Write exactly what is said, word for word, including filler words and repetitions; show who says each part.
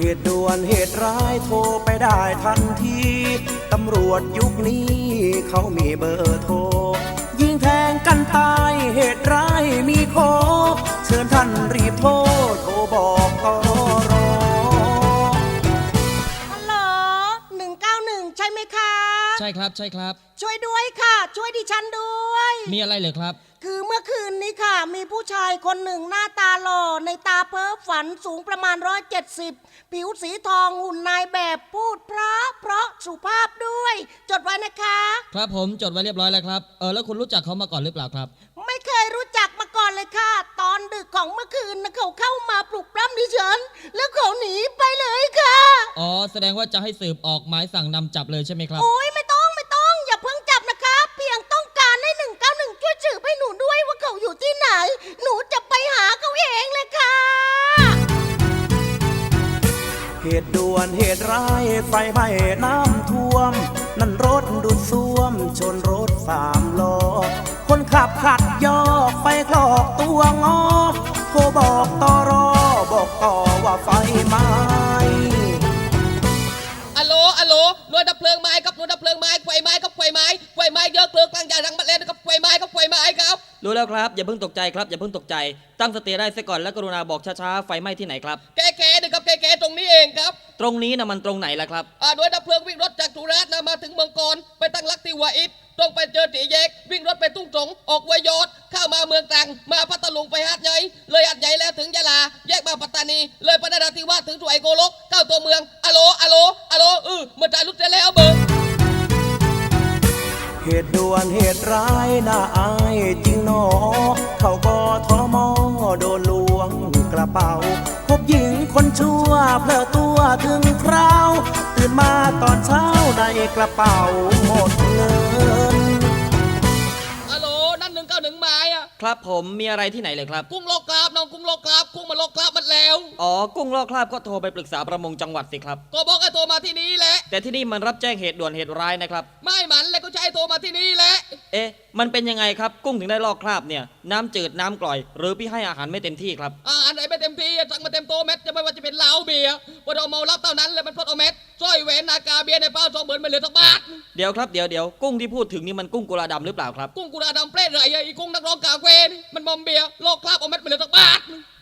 Speaker 1: ตุด่วนเหตุร้ายโทรไปได้ทันทีตำรวจยุคนี้เขามีเบอร์โทรยิงแทงกันตายเหตุร้ายมีโคเชิญท่านรีบโทรโทรบอกตร
Speaker 2: ฮัลโหลหนึ่งเก้าหนึ่งใช่ไหมคะ
Speaker 3: ใช่ครับใช่ครับ
Speaker 2: ช่วยด้วยค่ะช่วยดิฉันด้วย
Speaker 3: มีอะไรเหรอครับ
Speaker 2: คือเมื่อคืนนี้ค่ะมีผู้ชายคนหนึ่งหน้าตาหล่อในตาเพ้อฝันสูงประมาณร้อยเจ็ดสิบผิวสีทองหุ่นนายแบบพูดเพราะเพราะสุภาพด้วยจดไว้นะคะ
Speaker 3: ครับผมจดไว้เรียบร้อยแล้วครับเออแล้วคุณรู้จักเขามาก่อนหรือเปล่าครับ
Speaker 2: ไม่เคยรู้จักมาก่อนเลยค่ะตอนดึกของเมื่อคืนนะเขาเข้ามาปลุกปล้ำดิฉันแล้วเขาหนีไปเลยค่ะ
Speaker 3: อ๋อแสดงว่าจะให้สืบออกหมายสั่งนำจับเลยใช่ไหมครับ
Speaker 2: โอ้ยไม่ต้องไม่ต้องอย่าเพิ่งจับนะคะเพียงต้องการให้หนึ่งเก้าหนึ่งช่วยสืบให้หนูด้วยว่าเขาอยู่ที่ไหนหนูจะไปหาเขาเองเลยค่ะ
Speaker 1: เหตุด่วนเหตุร้ายไฟไหม้น้ำท่วมนั่นรถดูดซ่วมชนรถสามล้อคนขับขัดยอกไฟคลอกตัวงอโทรบอกตรบอกต่อว่าไฟไหม้
Speaker 4: อัลโหลอัลโหลหน่วยดับเพลิงไม้ครับหน่วยดับเพลิงไม้ไฟไหม้ครับไฟไหม้ไฟไหม้เยอะเพลิงกลางใหญ่ทั้งประเทศนะครับไฟไหม้ครับไฟไหม้ครับ
Speaker 3: รู้แล้วครับอย่าเพิ่งตกใจครับอย่าเพิ่งตกใจตั้งสติได้ซะก่อนและกรุณาบอกช้าๆไฟไหม้ที่ไหนครับ
Speaker 4: แก่แก่นะครับแก่แก่ตรงนี้เองครับ
Speaker 3: ตรงนี้นะมันตรงไหนล่ะครับ
Speaker 4: อ่าหน่วยดับเพลิงวิ่งรถจากสุราษฎร์นะมาถึงเมืองกรไปตั้งลักที่หัวอิฐตรงไปเจอตีแยกวิ่งรถไปตุ้งสงออกวัวยอดเข้ามาเมืองตรังมาพัทลุงไปหาดใหญ่เลยหาดใหญ่แล้วถึงยะลาแยกมาปัตตานีเลยไปนราธิวาสถึงสุไหงโกลกเข้าตัวเมืองอัลโหลอัลโหลอัลโหลเออเมื่อจ่ายรุดเสร็จแล้วเบอร์
Speaker 1: เหตุด่วนเหตุร้ายน่าอายจริงหนอเขาก็ทอมอโดนลวงกระเป๋าพบหญิงคนชั่วเพลอตัวถึงคราวตื่นมาตอนเช้าในกระเป๋าหมดเงิน
Speaker 4: อัลโหลนั่นหนึ่งเก้าหนึ่งไม้อะ
Speaker 3: ครับผมมีอะไรที่ไหนเลยครับ
Speaker 4: กุ้งโลกราบน้องกุ้งโลกราบกุ้งมาโลกราบมันแล้ว
Speaker 3: อ๋อกุ้งลอกคราบก็โทรไปปรึกษาประมงจังหวัดสิครับ
Speaker 4: ก็บอกให้โทรมาที่นี้แหละ
Speaker 3: แต่ที่นี่มันรับแจ้งเหตุด่วนเหตุร้ายนะครับ
Speaker 4: ไม่หมันเลยก็ใช้โทรมาที่นี่แหละ
Speaker 3: เอ๊ะมันเป็นยังไงครับกุ้งถึงได้ลอกคราบเนี่ยน้ำจืดน้ำกร่อยหรือพี่ให้อาหารไม่เต็มที่ครับ
Speaker 4: อาหารไหนไม่เต็มที่สั่งมาเต็มโตเม็ดจะไม่ว่าจะเป็นเหล้าเบียร์พอเราเมารับเท่านั้นเลยมันพดเอาเม็ดสร้อยแหวนนาคาเบียร์ในเป้าสองหมื่นไม่เหลือสักบาท
Speaker 3: เดี๋ยวครับเดี๋ยวเดี๋ยวกุ้งที่พูดถึงนี่มันกุ้งกุลาดำหรือเปล่าครับ
Speaker 4: กุ้งกุลาดำเปรตไรไอ้กุ้งนักร้องกาเวนี่มันมอมเบียร์โลกคราบเอาเม็ดไม่เหลือสักบาท